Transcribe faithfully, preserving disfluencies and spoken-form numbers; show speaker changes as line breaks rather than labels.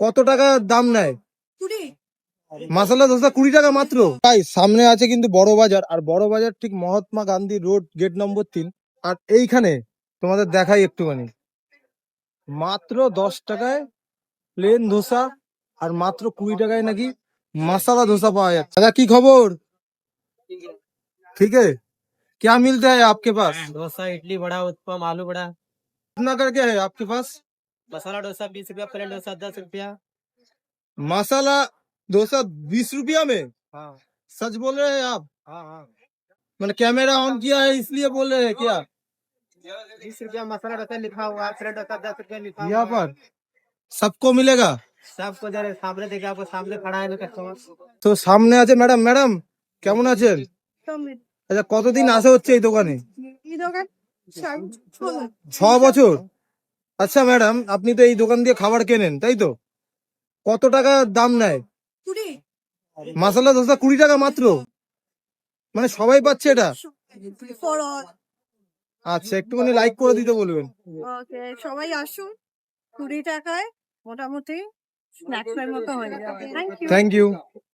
কত টাকা দাম নেয়?
কুড়ি।
মশলা ধোসা কুড়ি টাকা মাত্র। তাই সামনে আছে কিন্তু বড় বাজার, আর বড় বাজার ঠিক Mahatma Gandhi road gate number তিন। আর এইখানে তোমাদের দেখাই একটুখানি, মাত্র দশ টাকায় প্লেন ধোসা আর মাত্র কুড়ি টাকায় নাকি मसाला डोसा पाया जाता है। दादा की खबर? ठीक है। क्या मिलता है आपके पास?
डोसा, इडली, वड़ा, उत्पम, आलू वड़ा।
कितना कर क्या है आपके पास?
मसाला डोसा बीस रुपया, प्लेन डोसा दस रुपया।
मसाला डोसा बीस रुपया में?
हाँ
सच बोल रहे हैं आप?
हाँ हाँ
मैंने कैमरा ऑन किया है इसलिए बोल रहे हैं क्या?
बीस रुपया मसाला डोसा लिखा हुआ है, प्लेन डोसा दस रुपया लिखा हुआ
यहाँ
है।
पर सबको मिलेगा?
सबको जरा सामने देखिए, आपको सामने खड़ा है कस्टमर।
তো সামনে আছে ম্যাডাম। ম্যাডাম কেমন আছেন? আচ্ছা, কতদিন আসা হচ্ছে এই দোকানে?
এই দোকান
ছ বছর। আচ্ছা ম্যাডাম, আপনি তো এই দোকান দিয়ে খাবার কেনেন তাই তো? কত টাকা দাম নেয়?
কুড়ি।
মশলা ধোসা কুড়ি টাকা মাত্র, মানে সবাই পাচ্ছে এটা?
For all.
আচ্ছা, একটুখানি লাইক করে দিতে বলবেন।
ওকে, সবাই আসুন। কুড়ি টাকায় মোটামুটি স্ন্যাক্স এর মতো হয়ে যাবে। Thank you.
Thank you.